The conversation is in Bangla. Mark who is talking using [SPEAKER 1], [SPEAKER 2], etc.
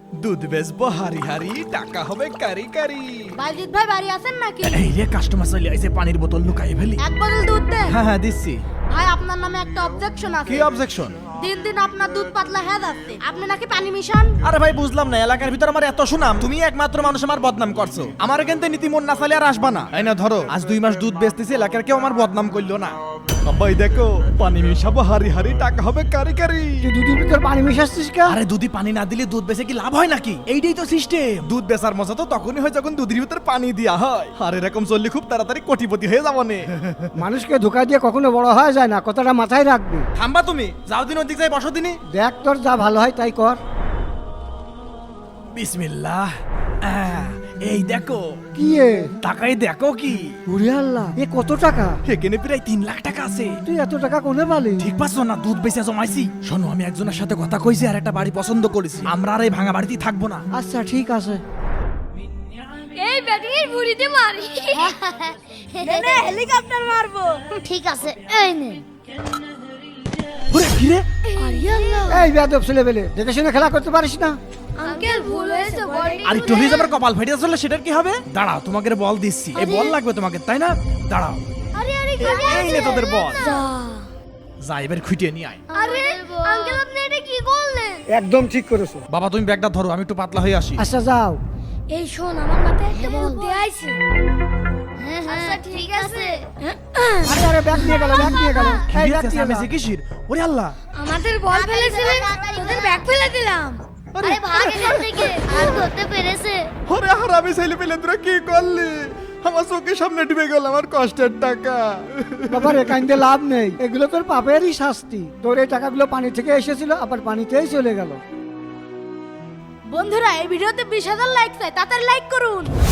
[SPEAKER 1] দুধ বেচবো হারি হারি, টাকা হবে কারি কারি।
[SPEAKER 2] বাইজিৎ ভাই বাড়ি আছেন নাকি?
[SPEAKER 1] এই রে কাস্টমার চলে আইছে, পানির বোতল লুকাই ফেলি।
[SPEAKER 2] এক বোতল দুধ দেন।
[SPEAKER 1] হ্যাঁ হ্যাঁ দিচ্ছি।
[SPEAKER 2] ভাই আপনার নামে একটা অবজেকশন আছে।
[SPEAKER 1] কি অবজেকশন?
[SPEAKER 2] দিন দিন আপনার দুধ পাতলা হয়ে যাচ্ছে, আপনি নাকি পানি মিশান।
[SPEAKER 1] আরে ভাই বুঝলাম না, এলাকার ভিতর আমার এত সুনাম, তুমি একমাত্র মানুষ আমার বদনাম করছো। আমার কিন্তু নীতি মন না চাইলে আর আসবা না। এই না ধরো, আজ 2 মাস দুধ বেচতেছি, এলাকার কেউ আমার বদনাম করলো না। সবাই দেখো, পানি মিশাবো হারি হারি, টাকা হবে কারি কারি।
[SPEAKER 3] তুই দুধের ভিতর পানি মিশাচ্ছিস কে?
[SPEAKER 1] আরে দুধে পানি না দিলে দুধ বেচে কি লাভ হয় নাকি? এইটাই তো সিস্টেম। দুধ বেচার মজা তো তখনই হয় যখন দুধের ভিতর পানি দেয়া হয়। আর এরকম চললে খুব তাড়াতাড়ি কোটিপতি হয়ে যাবো নে।
[SPEAKER 3] মানুষকে ধোকা দিয়ে কখনো বড় হওয়া যায় না, কথাটা মাথায় রাখবি।
[SPEAKER 1] থামবা তুমি, যাও দিন ওদিক যাই বসো দিনই।
[SPEAKER 3] দেখ তোর যা ভালো হয় তাই কর।
[SPEAKER 1] বিসমিল্লাহ। এই দেখো
[SPEAKER 3] কি এ?
[SPEAKER 1] টাকাই দেখো কি।
[SPEAKER 3] উরে আল্লাহ, এ কত টাকা?
[SPEAKER 1] এখানে প্রায় 3 লাখ টাকা আছে।
[SPEAKER 3] তুই এত টাকা কোনে পালি?
[SPEAKER 1] ঠিক পাচ্ছ না, দুধ বেচে জমাইছি। শোনো, আমি একজনের সাথে কথা কইছি আর একটা বাড়ি পছন্দ করেছি। আমরা আর এই ভাঙা বাড়িতেই থাকবো না।
[SPEAKER 3] আচ্ছা ঠিক আছে।
[SPEAKER 2] এই ব্যাটিং বুড়িতে মারি। নে হেলিকপ্টার মারবো। ঠিক আছে, এই নে।
[SPEAKER 1] ওরে কি রে?
[SPEAKER 2] আরে আল্লাহ,
[SPEAKER 3] এই বেয়াদব ছেলে বেলে, দেখে শুনে খেলা করতে পারিস না?
[SPEAKER 2] আঙ্কেল ভুল হয়েছে, বলটি।
[SPEAKER 1] আর একটু হয়ে যাবার কপাল ফেটে চললে সেটার কি হবে? দাঁড়াও, তোমাকে বল দিচ্ছি। এই বল লাগবে তোমাকে, তাই না? দাঁড়াও,
[SPEAKER 2] আরে আরে
[SPEAKER 1] এই নে তোদের বল।
[SPEAKER 2] যা।
[SPEAKER 1] যা এবার খুঁটিয়ে নিয়ে আয়।
[SPEAKER 2] আরে আঙ্কেল আপনি এটা কি করলেন?
[SPEAKER 3] একদম ঠিক করেছো।
[SPEAKER 1] বাবা তুমি ব্যাগটা ধরো, আমি একটু পাতলা হয়ে আসি।
[SPEAKER 3] আচ্ছা যাও।
[SPEAKER 2] এই শোন, আমার মাথায় একটা বুদ্ধি আইছে। আচ্ছা ঠিক আছে।
[SPEAKER 3] আরে আরে ব্যাগ নিয়ে গেল, ব্যাগ নিয়ে গেল।
[SPEAKER 1] কি
[SPEAKER 3] এই
[SPEAKER 1] রে,
[SPEAKER 3] ব্যাগ নিয়ে
[SPEAKER 1] চেঁচামেচি
[SPEAKER 3] গেল।
[SPEAKER 1] কিসের? ওরে আল্লাহ,
[SPEAKER 2] আমাদের বল ফেলেছিলেন, তোদের ব্যাগ ফেলে দিলাম। আরে ভাগ এখান থেকে, আর ধরতে পেরেছে।
[SPEAKER 1] ওরে হারামি ছেলে পেলে তোরা কি করলি? আমার চোখের সামনে ডুবে গেল আমার কষ্টের টাকা।
[SPEAKER 3] বাবা রে, কাইন্দে লাভ নেই, এগুলো তোর পাপেরই শাস্তি। তোর এই টাকাগুলো পানি থেকে এসেছিল, আবার পানিতেই চলে গেল।
[SPEAKER 2] বন্ধুরা, এই ভিডিওতে 20,000 লাইক চাই, তাড়াতাড়ি লাইক করুন।